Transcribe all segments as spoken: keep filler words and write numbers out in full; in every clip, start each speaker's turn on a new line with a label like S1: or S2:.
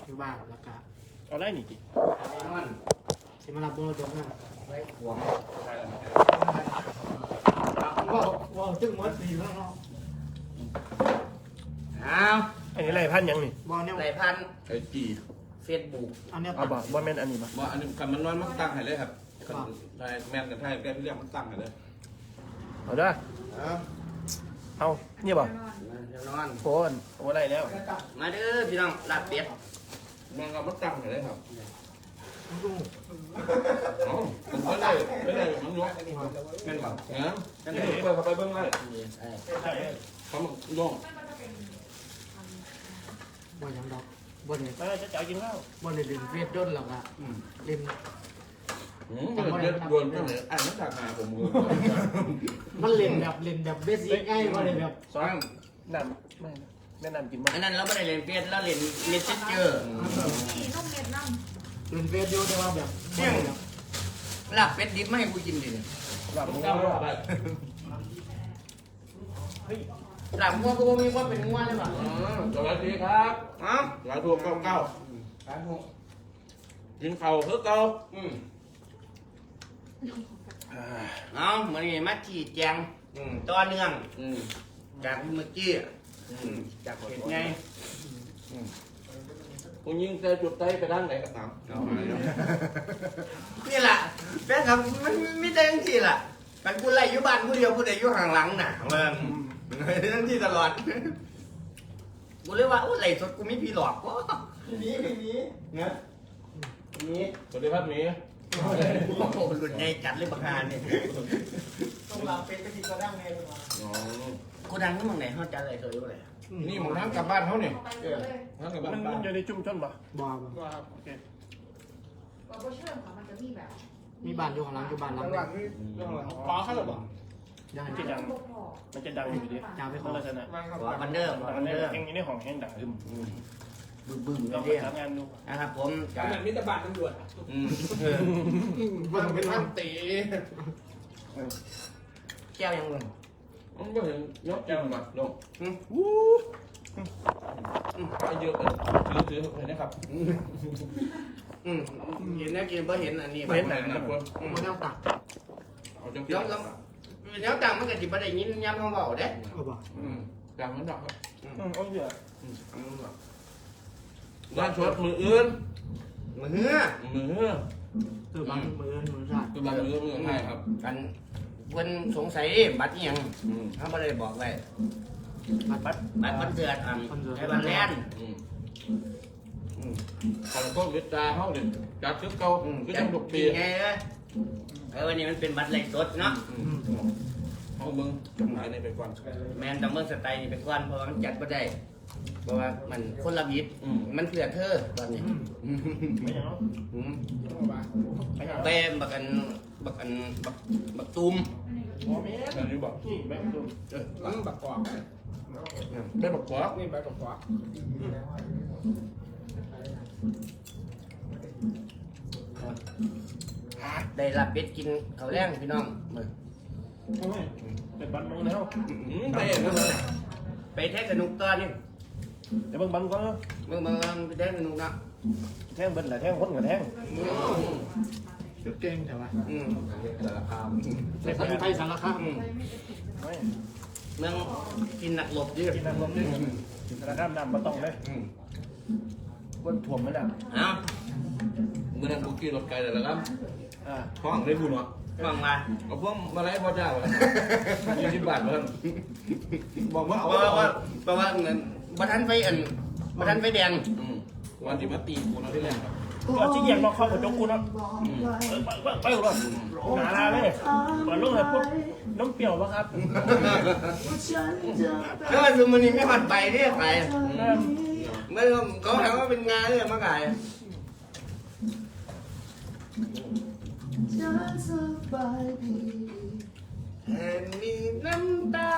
S1: อยู่บ้านแล้วก็
S2: เอาได้นี่จิ
S1: สิมารับบุญตรงนั้น
S3: ไว้หวง
S1: ว้าวว้าวจึงหมดสี่แล้วเนาะ
S3: อ้าว
S2: อันนี้ไรพันยังนี่
S1: ว้าวเนี่ย
S3: ไรพัน
S4: ไอ้จี
S3: เฟซบุ๊ก
S1: อันเนี้ย
S2: เอาบ่บ่แม่นอันนี้บ่
S4: ว่าอันนี้คันมันน้อยมันตั้งให้เลยครับคันไทยแม่นกับไทยแกที่เรียกมันตั้งให้เลย
S2: เอาเด้อเอานี่บ่
S3: เดี๋ยวนอน
S2: โฟนโอ้ไรแล้ว
S3: มาเด้อพี่น้องลาบเป็ด
S4: มันก็มันตั้งให้เลยครับ
S1: ดู
S4: อ๋อมันไม่ได้ไม่ได้มันยกแม่นแบบเงี้ยเปิดเข้าไปเบื้องล่างเขามันย่อง
S1: บ่ยังดอกบ่เนี่ย
S2: มาจะเจ้ากินข้าว
S1: บ่เนี่ยเล่นเฟซด้นหรอกอะเล่น
S4: อืมมันเดือดดวนก็เลยอ่านนักถักหาผมมือ
S1: มันเล่นแบบเล่นแบบเบสิกง่ายบ่ได้แบบ
S2: สองน้ำไม่แม่น้ำกินบ่
S3: อันนั้นเราไม่ได้เล่นเฟซเราเล่นเมสเซนเจอร์
S5: มีนมเม็ดน้
S1: เล่นเฟซอยู่แต่ว่าแบบ
S3: ลาบเป็ดดิบไม่ให้กูกินดิ
S2: แบบ
S4: มัน
S2: มึง
S4: ก้าว
S2: เอา
S4: เข้าไป
S3: ลาบงัวกูบ่มีความเป็นงัวเลยป่ะ
S4: สวัสดีครับ
S3: อ้าว
S4: หลายทัวร์เก้าเก้ากินเข่าเพื่อเก้า
S3: อืมเอามานี่มาชี้แจงอืมต่อเนื่อง
S4: อืม
S3: จากเมื่อกี้อืมจากเห็นไง
S4: คุณยิงเจอจุดใจไปด้านไหนก็ตามเอาหายแล้ว
S3: นี่แหละแฟนครับมันไม่ได้ทั้งทีล่ะกันกูไล่อยู่บ้านกูเดียวกูได้อยู่ห่างหลังน่ะเมืองทั้งที่ตลอดกูเลยว่าโอ้ไล่สดกูไม่พี่หลอกวะมีไม่มีนะมี
S4: สวัสดีครับหมี
S3: โอ้โหหลุดไงจัดเลยบักฮานเนี่ย
S1: ต้องลาเป็นก็สิก็ดังแน่เลยว่า
S4: อ๋อ
S3: กูดังนี่มึงไหนเขาจัดอะไรสวยอยู่เลย
S4: นี่มึงทั้งกลับบ้านเขาเนี่ย
S5: ำไปเลย
S4: ทั้งกลับ
S2: มั
S4: บ้าน น
S2: มั
S4: บ้าน น
S2: อยู่ในจุ่มชนบ่
S1: บ่บ่
S2: ว่าโอเค
S5: เราก็เชื่อค่ะมันจะมีแบบ
S1: มีบ้านอยู่ข้างหลังอยู่บ้านหลัง
S4: ปลาเข้าหรือเปล่า
S1: ยัง
S2: มันจะดังมันจะดังอยู่ดิ
S1: จาไปขอ
S2: ลักษณะ
S3: ว่ามันเดิม
S2: อั
S3: มัน น
S2: นี้
S3: เดิม
S2: แห่งนี้ของแห่งดังขึ้น
S3: บึ้มบึ้ม
S2: ลอง
S3: เรื่อย
S2: ทำงานดู
S3: นะครับผมกับ
S6: เหมือนมิตรบาทตำรวจ
S3: อืม
S1: บ่ต้องเป็นท่านตี
S3: แก้วยังมึง
S4: มันก็เห็นยกแก้วมาลง
S3: อืม
S4: ไปเยอะเลยถือถือเห็นนะครับ
S3: อืมเห็นนะกินเพราะเห็นอันนี้
S4: เห็นไหนนะคน
S1: บ่ต้องตัก
S4: เอาจัง
S3: แล้วแล้วแล้วต่างมันก็จิบได้ยินย้ำเขาบอกเด้
S1: เอาบ่
S4: อืมจังมันดอกครับ
S2: อืมโอ้ยเดี๋ยว
S4: ด้านชดมืออื่น
S3: มือเนื้อ
S4: มือ
S1: คือบางมือมือชาติ
S4: คือบางมือมือให้ครับ
S3: กันเพิ่นสงสัยบัตรอิหยัง
S4: อืม
S3: เขาไม่ได้บอกไว้
S1: บัดบัด
S3: บัตรคอนเสิร์ตอันไอ้บัตรแลนด์
S4: อืมอืมขอโทษวิจารณ์เขาดิจัดชุดเก่า
S3: อืม
S4: คือ
S3: จั
S4: จั
S3: ง
S4: งทุกปี
S3: ไงเอ้ยเออวันนี้มันเป็นบัตรไลฟ์สดเนาะ
S4: อืมเอามึงจำหน่ายในไปก่อน
S3: แมนดัมเบิลสไตล์นี่เป็นก้อนเพราะว่ามันจัดไม่ได้ เพราะว่ามันคนละบิดมันเผื่อเธอตอนนี้
S2: ไม่อย่างนั้น
S3: อืมแป้มบักอันบักอันบักบักตุ้ม
S4: อันนี้บอก
S2: นี่แม่ดู
S3: เออ
S6: ตั้งบักกอก
S4: ได้บอกว่า
S6: นี่ใบบักกอก
S3: ได้รับเป็ดกินข้าวแรงพี่น้อง
S2: เป็นบันมึงแล้ว
S4: อืมไปเองนะ
S3: ไปแท็กสนุกตอนนี้
S2: เดี๋ยวเบิ่งบันก่อน
S3: เมื่อเมื่อไปแท็กสนุกนะ
S2: แท่งเบิ้ลแหละแท่งคนกับแท่ง
S1: สุดเก่งแต่ว่า
S3: อืม
S4: แต่ละคำ
S1: แต่สันไทยสารคาม
S3: อืม
S2: ไม่
S3: เมืองกินหนักหลบดิ
S2: กินน้ำลมด้วยกินกระด้ามน้ำมาต้องเลย
S4: อืม
S2: ก้นถ่วมไม่ได้
S3: เอ้า
S4: เมื่อนั้นกูขี่รถไกลแต่ละครับ
S2: อ่า
S4: ห้องได้บุญวะ
S3: ฟังมา
S4: เอาพวกมาไล่พ่อเจ้ายี่สิบบาทเพิ่มบอกว่า
S3: เพ
S4: เอา
S3: ราะว่า
S4: ว่า
S3: เพราะว่าเงินบัทันไฟอันบัทันไฟแดง
S4: วันที่มาตีกูเราที่แรกครับ
S2: ก็ชี้แยกมาเข้ากระจกกูเนาะไปไปไปรถหนาลาเลยเปิดลูกเลยปุ๊บน้ำเปรี้ยวปะครับ
S3: แล้วมันซูมันนี่ไม่หัดไปเนี่ยใครไม่เขาถามว่าเป็นงานเนี่ยมาไก่แห่งมีน้ำตา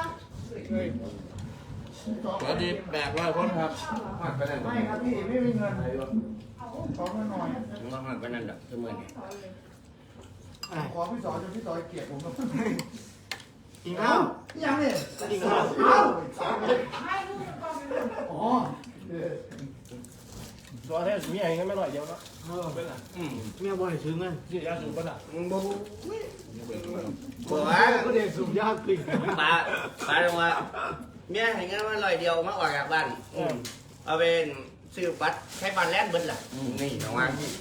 S4: สวัสดีแบกร้อยคนครับหักไปไหน
S1: ไม่ครับพี่ไม่มีเงินขอเงินหน่อย
S3: มาหัดไปนั่นแหละเสมอเนี่ย
S6: ขอพี่สอนจนพี่สอนเกลียดผมก็
S1: กินข้าว
S6: ยังเนี่ย
S1: กินข้าว
S6: เอ้า
S5: ให้ลูกมันก็มี
S6: อ๋อ
S2: ตัวแท้มีอะไรกันไม่หน่อยเดียวเนาะ
S1: เออ
S2: เป็นไร
S3: อืม
S1: เมียบ่ให้ซื้อเงิน
S2: ที่ยาสูบป่ะล่ะ
S3: มึงบ่บ่บ่
S1: ว่า
S3: ว่า
S1: ก็เด็กสูบยาปลิง
S3: ปลาปลาลงว่าเมียให้เงินมาลอยเดียวมาออกจากบ้านอืมเอาเป็นซื้อบัตรใช้บัตรแลนเบิดล่ะนี่น้องว่าตัว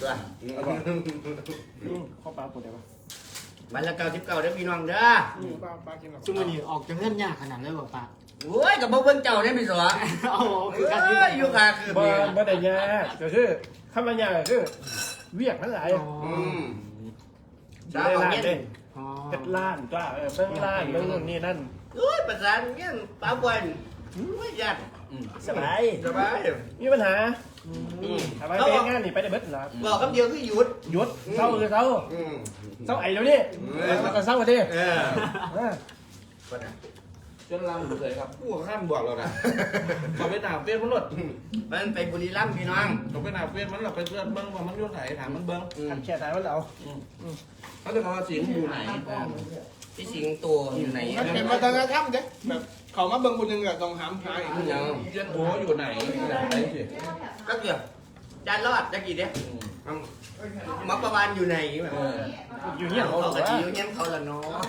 S2: ข้าวปลาปวดได้ปะ
S3: บัตรละเก้าสิบเก้าเด้อพี่น้องเด้อ
S6: ป้าป้ากินหรอ
S1: ซุมื้อนี้ออกจากเงินยากขนาดเลยบ่ปะ
S3: โอ้ยกับบ่เบิ่งเจ้าได้พี่สว
S1: เอาคือ
S3: เอ้
S1: กันคือกัน
S3: ยอยู่ค่ะคือ
S2: บ่
S3: มี
S2: บ่ได้ยาก็คือข้าวมันยาก็คือเวียกมันหลาย
S1: อ๋อ
S3: อืม
S2: ได้
S3: สาว
S2: ล้าน
S3: เงี้ย
S2: เด้
S1: อ๋อ
S2: เป็ดล้านจ้าเออเบิ่งล้านเบิ่งนู่นนี่นั่น
S3: โอ้ยประสานเงี้ยปลาบวนไม่ยัด
S2: สบาย
S3: สบาย
S2: มีปัญหา
S1: อื
S3: อื
S1: ม
S3: ม
S2: ทำไมเป็นงานนี่ไปได้เบิดหรอ
S3: บอกคำเดียวคือหยุด
S2: หยุดเศร้าคือเศร้า
S3: อืม
S2: เศร้าไอ้เดี๋ยวนี้แล้วก็เศร้ากันดิ
S3: เออ
S2: เออ
S3: ก็ได้
S4: จนลังเลยครับผู้ข้ามบอกเรานะขอไปหนาเฟียนมันหลด
S3: มันไปบุรีรัมย์พี่น้อง
S4: ขอไปหนาเฟียนมันหลดไปเพื่อนเบิ้งว่ามันยุ่งไหนถามมันเบิ้ง
S3: อืม
S2: ทำแค่ไหนวะเรา
S4: เขาจะมาสิงอยู่ไหน
S3: พี่สิงโตอยู่ไหน
S6: มันเป็นวัฒนธรรมเด้แบบเขามาเบิ่งคนหนึ่งอะต้องหามหาย
S3: อืมยัง
S4: เจียนโบอยู่ไหนไหนสิ
S3: ก็เกือบจานรอดจะกี่เด้มักประวานอยู่ไหนแบบ
S2: อยู่เนี่ยเขา
S3: เขา
S2: บอก
S3: กะ
S2: ว่า
S3: จิอยู่เงี้ยเขาละเนาะ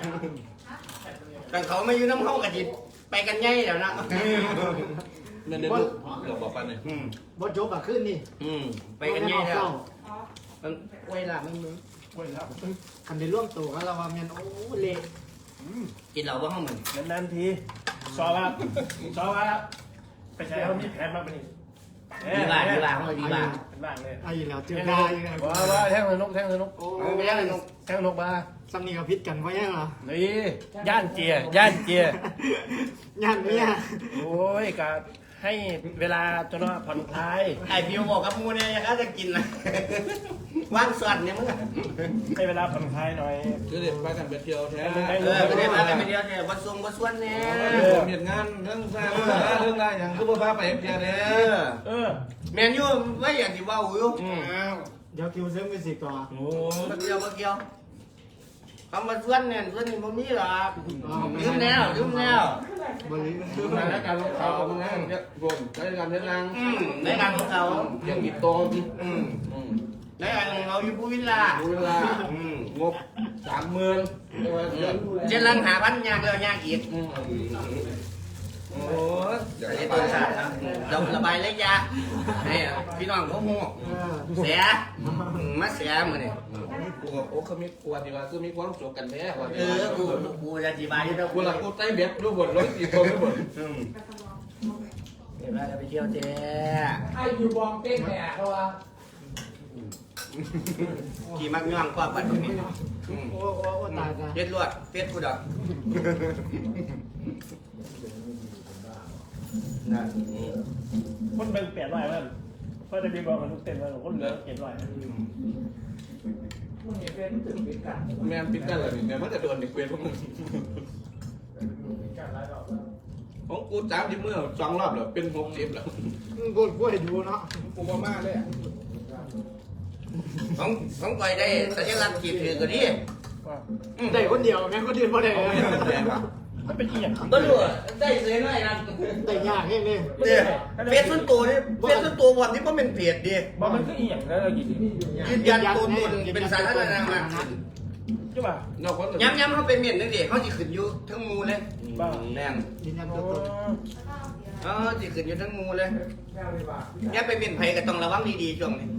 S3: แต่เขาไม่อยู่น้ำเขากะจิไปกันง่ายแล้วนะ
S4: เงินเดือนเดี๋ยวบอกไปเลย
S3: อืม
S1: บ่จบอ่ะขึ้นนี่
S3: อืมไปกันง่ายแล้วมันเวลามันมึง
S2: เว้ยแล้ว
S1: คันได้ร่วมตัวกันแล้วว่าแม่นโอ้เละ
S3: กินเหล้าบ้างมึง
S2: นานๆทีสอบว่าสอบว่าไปใช้เขามีแผนมาเป็น
S3: ดีบ้าดีบ้าเขาดีบ้า
S2: เป็นบ้านเลย
S1: ไอ้แล้วเจอได้ยังไง
S2: ว่าว่าแท่งสนุกแท่งสนุก
S1: โอ้
S3: เอาไปแล้วเลยนุ๊ก
S2: แท่งสนุกมา
S1: สำนีกับพิษกันว่ายังเหรอ
S2: นี่ย่านเจียย่านเจีย
S1: งานเนี้ย
S2: โอ้ยกะให้เวลาจนว่าผ่อนคลาย
S3: ไอบิวบอกกับมูเนี่ยยังก็จะกินนะว่างส่วนเนี่ยมึงอะ
S2: ให้เวลาผ่อนคลายหน่อย
S4: คือเด็กไปกันไปเที่ยวแท้
S3: เออไม่ได้มากันไปเดียวเนี่ยวัดทรงวัดส่วนเนี่ย
S4: เห็นงานเรื่องสร้างเรื่องอะไรอย่างคือบ้าไปเที่ยวเนี่ย
S3: เออ
S2: เออ
S3: แมนยูไม่อยากที่ว่าอยู่
S2: อืม
S6: อ้าว
S1: เดี๋ยวคิวเซิร์ฟมิวสิกต่อ
S2: โอ้
S3: มาเกี่ยวมาเกี่ยวคำมาส่วนเนี่ยส่วนนี้บ่มีหรอกยืมแล้วยืมแล้ว
S1: บริ
S4: คือมาแล้วการลงเขาของงานเนี่ยรวมใช้การเดินทาง
S3: อืมในการของเขา
S4: ยังมีโตน
S3: อืม
S4: อืม
S3: ในการของเราอยู่ผู้วิลล่า
S4: ดูเวลา
S3: อืม
S4: งบสามหมื่นเรียกว่าเยอะ
S3: เจนลังหาพันยากแล้วยากอีก
S4: อืม
S3: โอ้ยอันนี้ต้นสาดครับเราระบายเล็กยาให้พี่น้องพวกมู
S1: เออ
S3: เสียมาเสียมือนี่
S4: กูก็โอ้เขามีกลัวดีว่าคือมีความสุขกันแท้กว่า
S3: เออกูกูจะอธิบายให้เรา
S4: กูหลักกูใต้เบ็ดรู้บทร้อยสี่คนไม่หมด
S3: อืมเดี๋ยวเราจะไปเที่ยวเจ๊
S1: ไอ้อยู่บองเต้นแหกเขาว่า
S3: ขี่มักย่องกว่าปัดตรงนี้อืม
S1: โอ้โอ้โอ้ตายตาย
S3: เจ็ดลวดเจ็ดกูดอกนะอืม
S2: คนเป็นแปดร้อยมันเพราะจะมีบอกมันทุกเต็มเลยคนเหลือเจ็ดร้อย
S4: แมนปิดกันเลยเนี่ยมันจะโดนเด็กเวรพวกมึงของกูจ้าที่เมื่อสองรอบแล้วเป็นหกสิบแล้ว
S1: กดกล้วยดูเนาะ
S6: กูมาม่าเลยอะ
S3: ของของก่อยได้สัญลักษณ์ขีดถือก็ดี
S2: ว่า
S1: ได้คนเดียวแม่งคนเดียวบ่ได้
S4: เอาไม่แรงอ่ะ
S2: มันเป็นอีหยัง
S3: บ่รู้อะได้เสียหน่อยนะ
S1: ได้ยากเองเลย
S3: เนี่ยเฟซส่วนตัวนี่เฟซส่วนตัววันนี้ก็เป็นเพจดิ
S2: บอกมันคืออีหยังแล้วเรากิน
S3: ยืนยันตัวตนเป็นสาธารณะมากขึ้น
S2: ใช่ป่ะ
S4: นอกคน
S3: ย้ำย้ำเขาเป็นเมียนนึงดิเขาจะขึ้นอยู่ทั้งหมูเลย
S2: บ้า
S3: แรง
S1: ยืนยัน
S2: โอ้
S1: ตัวตน
S3: เออจะขึ้นอยู่ทั้งหมูเลยย้ำไปเมียนไผ่ก็ต้องระวังดีๆช่วงนี้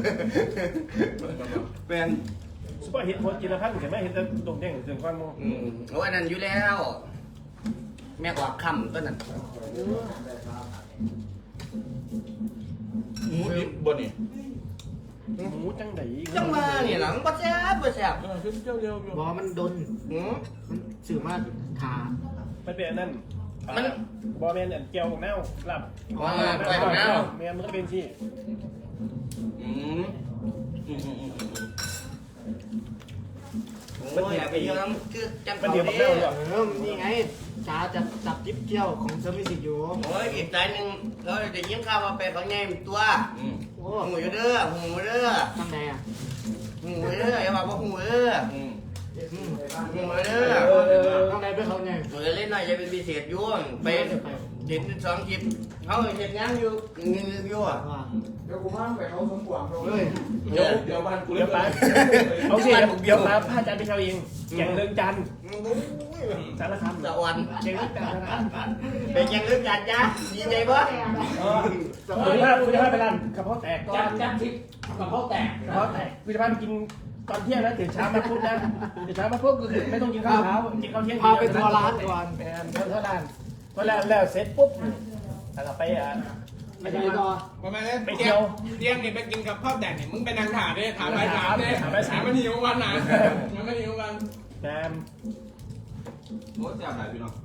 S3: เป็น
S2: สปอร์ตเห็นคนกินละพันเห็นไหมเห็นแต่ตรงเด้งถึงก้อนโม
S3: อืมโอ้อันนั้นอยู่แล้ว แม่กว่าคำต้นนั้น
S4: หมูดิบบนนี่
S2: หมูจังได
S3: จังมาเนี่ยหลังบ่แซ่บบ่แซ่บ
S4: เออขึ้นเจ้าเดียวอยู่
S1: บอกมันดน
S3: อืม
S1: มันสื่อมาถา
S2: มันเป็นนั่น
S3: มัน
S2: บอแมนอันเกียวของแนวหลับ
S3: อ๋อไปของแนว
S2: แมนมันก็เป็นที่
S4: อืมอืมอืมอืม
S3: โอ้ยอย่าไปเยอะน้ำคือจัง
S2: มัน
S3: เขา
S2: เดียวกับ
S3: ดิ
S2: แนวเลย
S1: เออนี่ไงจ้าจะจับจิ๊บเที่ยวของเซิร์ฟมิวสิกอยู่
S3: โอ้ยอีกสายหนึ่งเราได้ยินข่าวว่าไปเขาใหญ่ตัว
S4: อืม
S1: โอ้
S3: หูอยู่เด้อหูเด้อ
S1: ทำไงอ่ะ
S3: หูเด้ออย่าบอกว่าหูเด้อ
S4: อืม
S1: อืม
S3: หูเด้อ
S1: ทำไงไปเขาไง
S3: หนูจะเล่นหน่อยจะเป็นพิเศษยุ่งไปเห็นสองคลิปเขาเห็นงานอยู่อยู่อ่ะ
S1: ว่า
S6: เดี๋ยวกูพาไปเขาสมหวังเรา
S1: เฮ้ย
S4: เดี๋ยวเดี๋ยวบ้านกู
S2: เดี๋
S4: เลี้
S2: ย
S4: ยว ว
S2: ไป
S4: ไป
S2: เอาสิเดี๋ยวมาพาอาจารย์ไปเช่าเองแกงเรื่องจันทร์สารคาม
S3: สะออน
S2: แกงเรื่องจันทร์นะครับ
S3: เป็นยังเรื่องการจ้าดีใจปะ
S2: เออคุณจะพาคุณจะพาไปร้านกระเพาะแตก
S1: จับจับทิพย์กับเขาแตก
S2: กระเพาะแตกคุณจะพาไปกินตอนเที่ยงนะตื่นเช้ามาปุ๊บนะตื่นเช้ามาปุ๊บก็คือไม่ต้องกินข้าวเช้ากินข้าวเที่ยง
S1: พาไปทัวร์ร้านก่อน
S2: แมนเท่าร้านพอแล้วแล้วเสร็จปุ๊บแล้วก็ไปอ่ะ
S1: ไม่ได้ต่อ
S7: ประมาณนี้
S2: ไปเที่ยว
S7: เที่ยงนี่ไปกินกับข้าวแดดนี่มึงไปนั่งถามดิถามไปถามดิถามมันหิววันนะมันไม่หิววัน
S2: แมน
S4: โอ้แซ่บหลายพี่น้อง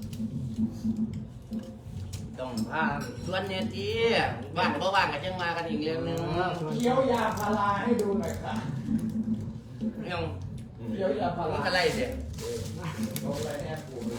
S3: ต้องพาส่วนเนี่ยที่ว่างก็ว่างกันจังมากันอีกเรื่องหนึง
S6: เคี้ยวยาพาราให้ดูหน่อยค่ะ
S3: ยัง
S6: เคี้ยวยาพา
S3: มึ
S6: ราง
S3: อะไรเสีย
S6: เอาอะไรแอบกูเลย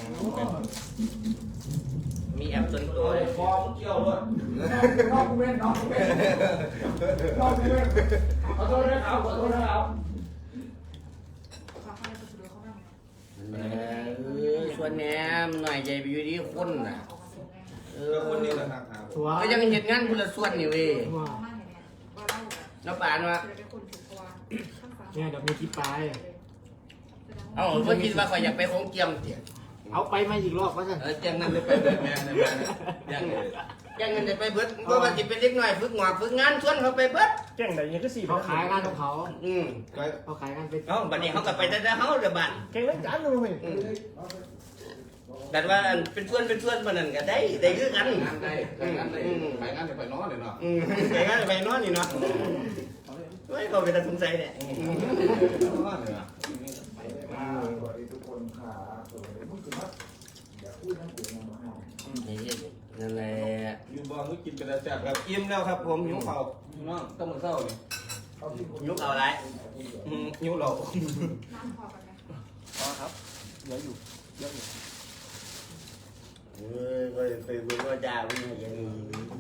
S3: มีแอปส่วนตัว
S4: โอ้ยคอมึงเกี่ยวเลย
S6: นอกกูเว้นนอกกูเว้นนอกกูเว้นขอโทษนะครับขอโทษนะครับ
S5: ขอเข้าไปดูเขาบ้างไหม
S3: เออส่วนแหนมหน่อยใจไปอยู่ที่คนน่ะ
S5: ออกมาดูไง
S3: เอ
S4: เอ
S3: อ
S4: อคนนี้แหละครับ
S1: ทัวร์
S3: ก็ยังเห็นงานคนละส่วนนี่เว้ย
S1: ว่า
S5: เขาบ้างเนี่ยว่าเล่าแบบ
S3: แล้วป่านว่า
S5: จะเป็นคนถูกกว่าข้างฟ้า
S1: เนี่ยเดี๋ยวมีคลิปไป
S3: เอ้าเพิ่นคิดว่าข่อยอยากไปของเกียมเตี๋ย
S1: เอาไปมาอีกรอบว่าสั่น
S3: เออจังนั้นเลยไปเบิดแม่เลยแม่ยังยังเงินได้ไปเบิดเพราะว่าสิเป็นเด็กน้อยฝึกงานฝึกงานชวนเขาไปเบิด
S2: แกงไหนยังก็สี่
S1: เขาขายงานของเขา
S3: อืม
S1: เขาขายงานไป
S3: เอ้าบัดนี้เขาก็ไปแต่เฮาเด้อบัด
S2: แกงเรื่องจันทร์เลย
S3: อืมแต่ว่าอันเป็นส่วนเป็นส่วนปานนั้นก็ได้ได้คือกัน
S4: งานได้งานได้ไปงานได้ไปนอนเลยเนาะ
S3: อืมไปงานไปนอนนี่เนาะเฮ้ยเขาเป็นตาสงสัยเนี่ย
S4: นอนเลยอ่ะ
S6: อ่าสวัสดีทุกคนค่ะสวัสดีมึงคือว่าอย่าพูดนะกูนะมาให้
S3: นี่นั่นแหละ
S4: อยู่บ้านมึงกินเป็นแซ่บครับอิ่มแล้วครับผมหิวข้าวพี่น้องต้องมื้อเช้านี่
S6: เอาที่คน
S3: ยุกเอาไร
S4: อืมหิวเหล้า
S5: น้ำพอกันไหม
S2: อ๋อครับเหลืออยู่เยอะอยู่
S3: เฮ้ยก็ไปเบิ่งว่าจ่าวิ่งอย่างนี้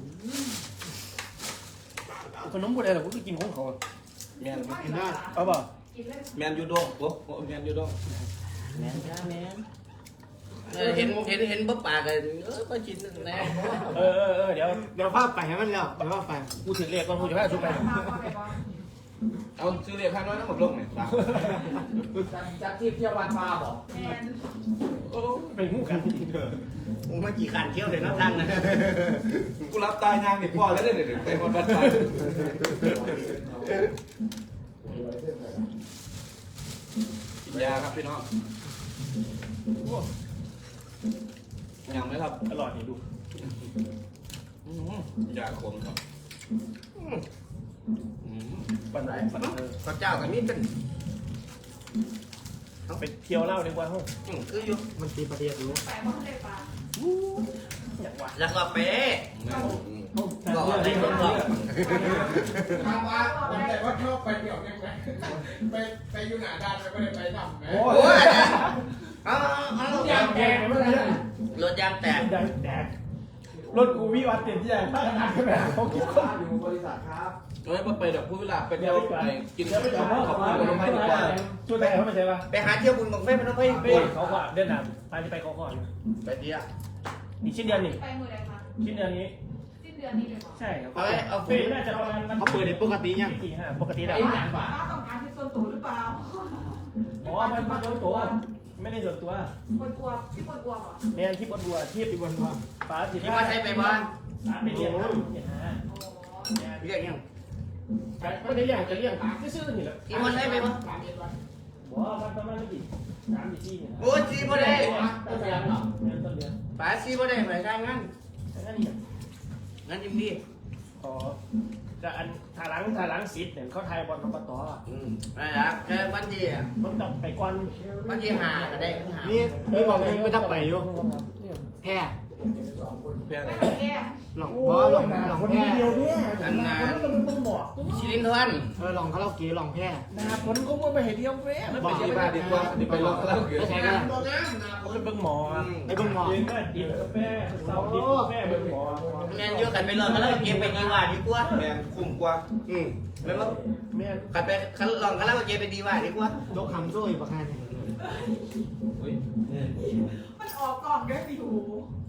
S2: ขนมบุรีเราก็กินของเขา
S4: แม่น
S1: กินได้
S2: เอาเปล่า
S5: กินเล่น
S4: แม่นอยู่ดงโอ้แม่นอยู่ดง
S3: แม่นจ้าแม่นเออเห็นเห็นเห็นบ่ปากเลยเออก็กินแน่
S2: เออเออเออเดี๋ยว
S1: เดี๋ยวภาพไปให้มันแล้วเดี๋ยวภาพไป
S2: กูถือเลขก่อนกูจะพาชุบไป
S5: มาพอไปบ้าง
S4: เอาซื้อเรียกข้างน้อยน้ำหมดลงเนี่ย
S1: จากที่เที่ยววันมาบอก
S5: แมน
S2: โอ้ไปหูกัน
S3: มึงมากี่ขันเที่ยวเลยเนาะท่านนะ
S4: กูรับตายยางนี่พ่อแล้วเด้อเดี๋ยวไปหมดบัดตายกินยาครับพี่น้องยังไหมครับ
S2: อร่อยนี่ดู
S4: ยาขมครับ
S2: ปันไหนปันเออ
S3: ข้าวเจ้ากับนี่เป็น
S2: ไปเที่ยวเล่าดีกว่าห้อง
S3: อืมคืออยู่
S1: มันตีประเทศรู้
S5: แปลว่าได้ปลา
S2: อย่างว่า
S3: แล้วก็เป๊ะ
S2: ก็
S3: ก็อะไรก็บอก
S6: ถามว่าผมแต่ว่าชอบไปเที่ยวยังไงไปไปอยู่หน้าด้านไปไม่ได้ไปทำไหม
S2: โอ้
S3: โอ้
S2: ย
S3: ยเอาเอา
S2: ยางแตกไปเมื่อไหร่
S3: รถยางแตก
S2: ยางแตกรถกูวิวัฒน์เต็มที่ตั้งขนาดขึ้นไปเขาคิดคน
S6: อยู่บริษัทครับ
S4: เฮ้ยไปแบบพูดเวลาไปเที่ยวไปกิน
S2: เดี๋ยวไปจับพ่อ
S4: ขอบ
S2: มา
S4: คุณคนไทยดีกว่า
S2: ช่วยแต่เขาไม่ใช่ปะ
S3: ไปหาเที่ยวบุญบังไฟพนมไฟ
S2: ไปเขาขวาเดินหนำไปที่ไปเขาขวา
S3: ไปเที่ยว
S2: นี่ชิ้นเดือนนี่
S5: ไปมือใดคะ
S2: ชิ้นเดือนนี้
S5: สิ้นเดือนนี้เลยเหรอ
S2: ใช่ครับ
S3: เอาเอา
S2: เฟซน่าจะประมาณ
S1: เขาเปิดในปกติยัง
S2: สี่ห้าปกติแล้ว
S5: ป้าต้องการที่ส่วนตัวหรือเปล่า
S2: อ๋อมันมันส่วนตัวไม่ได้ส่วนตัว
S5: คนกลัวพี่คนกลัวเหรอ
S2: เนี่ยที่บนบัวที่
S1: ที่วันว่า
S2: ป้าสิ
S3: ที่มาใช้ไปบ้าน
S2: ป้าไปเรียนครับเรียนหา
S3: เรียกยัง
S2: ไม่ได้เรียกจะเรียกซื่อๆนี่แหละ
S3: ที่มาใช้ไปบ้าน
S2: บอกว่ามันประมาณไม่กี่สามสี่ที่เนี่ย
S3: โอ้ยซีบ่ได้
S2: ต้นเดือนเนาะเดือนต้นเดือน
S3: ป๋าซีบ่ได้ไปการงาน
S2: แค่นี้
S3: งานยิมดี
S2: อ๋อจะอันถาหลังถาหลังสิทธิ์เนี่ยเขาไทยบอลอบต
S3: อืมนั่นแหละแค่วันที่
S2: ผมต้องไปก่อน
S3: วันที่หาก็ได้หา
S1: นี่นี่บอกเลยไม่ต้องไปอยู่แพร่
S4: เพื่ออะไร
S5: แก้
S1: หลงเพราะหลงหลง
S2: คน
S1: แพร่
S2: เดียวเนี่ยอันนั้นต้องต้องบอก
S3: ชิลินทวัน
S1: เออหลงเขาเราเก๋หลงแพร่
S2: นาคนก็ว่าไปเห็นเดียวแม่
S4: ไม่ไปที่บ้านดีกว่าดีไปลองแล้วเกิน
S1: ไม่ใช่กัน
S2: เขาเป็นเบิ่งหมอ
S1: ไอ้เบิ่งหมอ
S2: เลี้ยงแม่ดิบกาแฟเสาดิบกาแฟเบิ่งหมอ
S3: แมนอยู่กันไปเลยกันแล้วเก็บไปดีว่าดีกว่า
S4: แมนคุ้มกว่า
S3: อืมแล้วก็
S2: แม่
S3: กันไปคันลองกันแล้วเก็บไปดีว่าดีกว่า
S1: ยกคำสู้อีกประการหนึ่ง
S4: เฮ้ย
S5: มันออกกล่องด้วยสิหู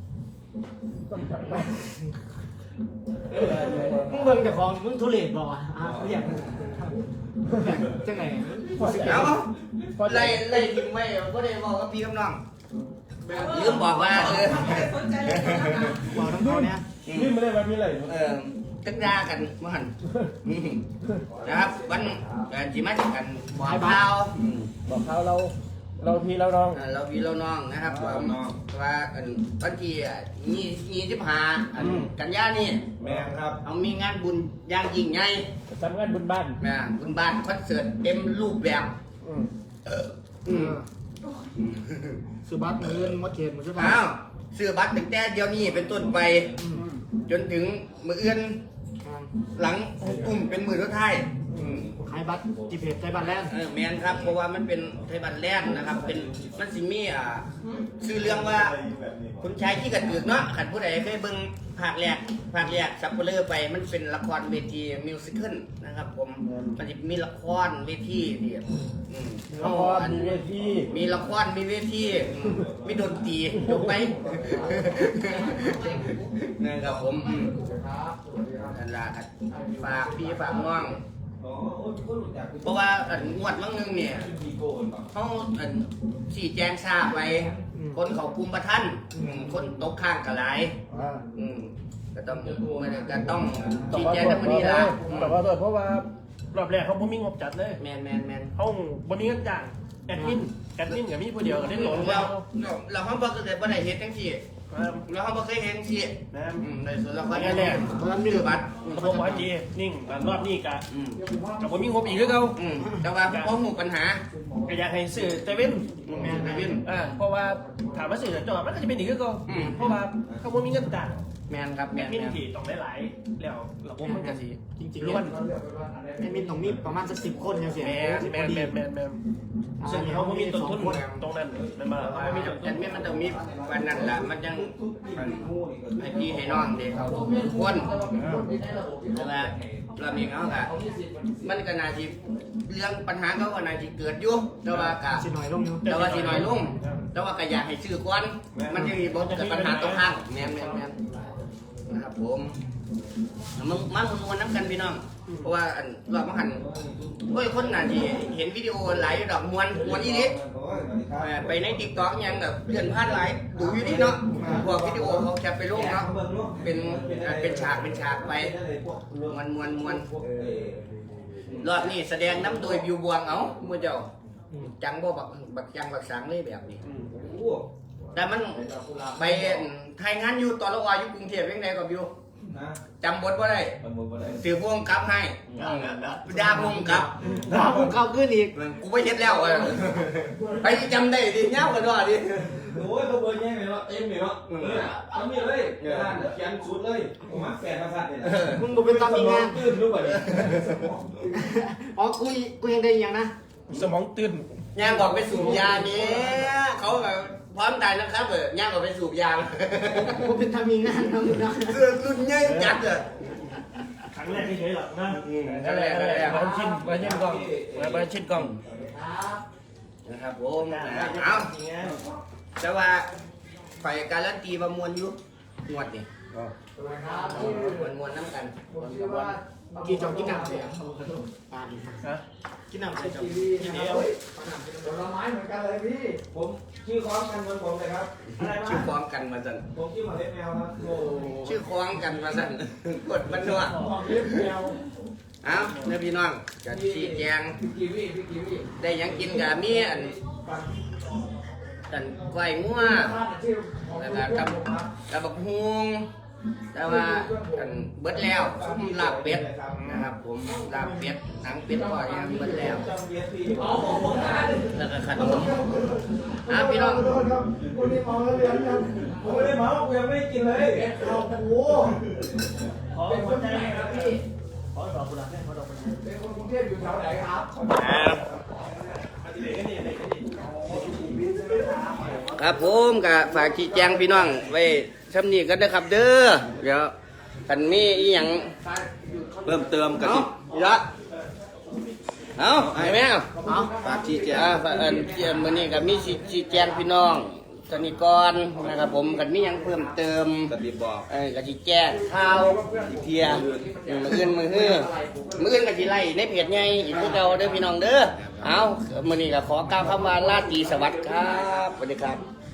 S1: มึงเบิ่งแต่ของมึงทุเรศบ่อ่ะอ่ะเรียกจังไง
S3: เอาไล่ไล่ทิ้งไว้ก็ได้บอกกับพี่กับน้องลืมบอกว่าเออ
S5: สนใจเลย
S1: บอกน้องเขาเนี่ย
S2: นี่ไม่ได้มามีอะไร
S3: เออตึกดากันเมื่อหันอืมนะครับวันเอ่อจีมาจากกันบอกเท้า
S2: บอกเขาเราเราทีเราน้อง
S3: เอ่อเราพี่เราน้องนะครับว่าว่าอันวันที่ยี่ยี่สิบห้าอันกันยานี่
S6: แม่ครับ
S3: เอามีงานบุญอย่างยิ่งใหญ่
S2: ทำงานบุญบ้าน
S3: แม่บุญบ้านคอนเสิร์ตเต็มรูปแบบ
S2: อืม
S3: เอออืม
S1: สุบัติมือเงินมดเขตมือสุภา
S3: อ้า
S1: พ
S3: วซื้อบัตรตั้งแต่เดี๋ยวนี้เป็นต้นไป จนถึงมือเอื้อนหลังอุ้มเป็นมือทุกท้ายอืม
S1: ขายบัตรจีเพจใจบัตรแลนด์
S3: เออแมนครับเพราะว่ามันเป็นไทยบัตรแรกนะครับ เป็นมันสิมีอ่าชื่อเรื่องว่าคุณชายที่กระตือกเนาะขันผู้ใดเคยเบิ่งภาคแรกภาคแรกซับเปลือไปมันเป็นละครเวทีมิวสิคัลนะครับ ผมมันจะมีละครเวทีที่อืม
S2: ละครมีเวที
S3: มีละครมีเวทีอืมมีดนตรีจบไป นะครับผมอืมนั่นล่ะครับฝากพี่ฝากน้อง เพราะว่าอันงวดมั่งนึงเนี่ยเขาอันสี่แจงทราบไว้ คนเขาคุมประทันอืมคนตกข้างกระไรอืมก็ต้องมันก็ต้อง
S2: ต่อ
S3: ชี้
S2: ว่า
S3: แจง
S2: ตัว
S3: ทั้งหมดนี้ละอืม
S2: ต่อว่าตัวเพราะว่ารอบแรกเขาบ่มีงบจัดเลย
S3: แมนแมนแมน
S2: เขาบ่มีเงินจ้างแอดมินแอดมินกับมีผู้เดียวก็ได้หลง
S3: เรา
S2: แล้ว
S3: เราเขาบอกเคยบ่ได้เห็นทั้งที่เราเขาบอกเคยเห็นทั้งที่
S2: นะ
S3: อืมในส่วนเราก็
S2: แรกแรก
S1: เพราะฉะนั้นมี
S3: ชื่อบัตร
S2: เขาบอกว่าจีนิ่งรอบนี้กะ
S3: อืม
S2: แต่บ่มีงบอีกคือเขา
S3: อืมแต่ว่าพอหูปัญหา
S2: ก็อยากให้ซื้อเซเว่น
S3: แมนแมน
S2: อ่าเพราะว่าถามว่าสื่อจอมันก็จะเป็นอีกคือเก่า
S3: อืม
S2: เพราะว่าเขาบ่มีเงินจ่าย
S3: แมนครับแม
S2: แอด
S3: น
S2: มิน
S3: แมน
S2: ที่ต้องหลายๆแล้วระบบมันก็สิ
S1: จริงๆ
S2: ล้
S1: เนี่
S2: วย น
S1: ไอ้มินต้องมีประมาณสักสิบคนยังเสีย
S2: แมนแมนแมนแมนแมนซึ่งเขาบ่มีต้นทุนตรงนั้นมันมาเขาบ่มีต้นทุ
S3: แต่
S2: น
S3: แม่มันต้องมีวันนั้นล่ะมันยังให้พี่ให้น้องเด็กเขาทุกคนแต่ว่าเรามีเขาค่ะมันก็น่าจะเรื่องปัญหาเขาก็น่าจะเกิดอยู่แต่ว่ากะ
S1: สิหน่อยลงอยู่
S3: แต่ว่าสิน้อยลงแต่ว่าก็อยากให้ซื้อก่อนมันจะมีบ่เกิดปัญหาตรงข้างแม่นแม่นแม่นนะครับผมมึงมามึงวันน้ำกันพี่น้องเพราะว่าอันรอบมาหันโอ้ยคนน่าจะเห็นวิดีโอหลายดอกมวนมวนอีนิดไปในติ๊กต็อกยังแบบเลื่อนพลาดหลายดูอยู่นี่เนาะพวกวิดีโอเขาจะไปลงเนาะเป็นเป็นฉากเป็นฉากไปมวนมวนมวนรอบนี้แสดงน้ำโดยบิวบวงเอาเมื่อเจ้าจังบ่บักบักจังบักสังเลยแบบนี้แต่มันไปถ่ายงานอยู่ตอนละวาอยู่กรุงเทพยังไงกับบิวจำบทว่าได้ถือพวงกับให้ดาพวงกับ
S1: ดาวผมเข้าขึ้นอีก
S3: กูไปเฮ็ดแล้วอะไปจำได้ดิเงี้ยกันด้วยดิ
S4: โอ้ยเขาเบอร์แย่เลยเนาะเต็มเลยเนาะทำนี่เลยเขียนสุดเลยผมมาแฝงมาสัตว์เนี่ย
S1: มึงบอกเป็นตามมีงาน
S4: ตื่นรู้ป่ะเนี่ย
S1: อ๋อกูกูยังได้ยังนะ
S2: สมองตื่น
S3: ย่างบอกไปสูบยาเนี้ยเขาแบบพร้อมตายนะครับเออย่างบอกไปสูบยา
S1: กูเป็นทำมีงานนะมึงนะ
S3: เสื้อรุ่นใหญ่จัดเลย
S2: ครั้งแรกที่เฉยหรอกนะ
S3: นั่นแหละนั่นแหละ
S2: มาชินมาชินกล้องมาชินกล้อง
S3: นะครับผมเอาแต่ว่าไฟการันตีประมวลอยู่งวดนี่มวลมวลน้ำกัน
S1: กี่จอมกินหนักเลยอ่ะ
S2: ฮะ
S1: กินหนักเลยจอม
S2: กินเดียว
S6: ผลไม้เหมือนกันเลยพี่
S4: ผมชื่อคล้องกันเหมือนผมเลยครับ
S3: ชื่อคล้องกันมาสั่น
S4: ผมชื่อหมาเล็บแมวครับโอ้
S3: ชื่อคล้องกันมาสั่นกดบันนัว
S6: เล็บแมว
S3: เอาเนื้อพี่น้องจะชี้แจง
S6: พี่กีวีพี่กีวี
S3: ได้หยังกินกับมีอันอันก้อยงัว
S6: ชื่อ
S3: แล้วก็กับกับบักฮวงแต่ว่าอันเบิดแล้วซุ้มลาบเป็ดนะครับผมลาบเป็ดหนังเป็ดก็ยังเบิดแล้ว
S4: จำเบียร์พี่
S3: แล้วก็ขนมอ่ะพี่น้อง
S6: คนนี้มองแล้วเรียนยัง
S4: ผมไม่ได้เมากูยังไม่ได้กินเลย
S6: เอาโอ้
S2: ขอหัวใจครับพี่ขอดอกกุหลาบขอดอกกุหลาบ
S6: เป็นคนกรุงเทพอยู่แถวไหนครับ
S3: ครับผมก็ฝากชี้แจงพี่น้องไว้ซ้ำนี้กันนะครับเด้อเดี๋ยวกันมีอีหยังเพิ่มเติมกันเยอะเอาไอ้แม่เอา
S1: เอา
S3: ฝากชี้แจงอ่าฝากอันเจียมมื้อนี้ก็มีชี้แจงพี่น้องตอนนี้ก่อนนะครับผมกันมียังเพิ่มเติม
S4: กระดิบบอก
S3: เอ้ยกะสิแจ้งข่าวอีกเทียมืออื่นมือฮื้อมืออื่นกะสิไล่ในเพจใหญ่อีกคือเก่าเด้อพี่น้องเด้อเอามื้อนี้ก็ขอกล่าวคำว่าราตรีสวัสดิ์ครับสวัสดีครับ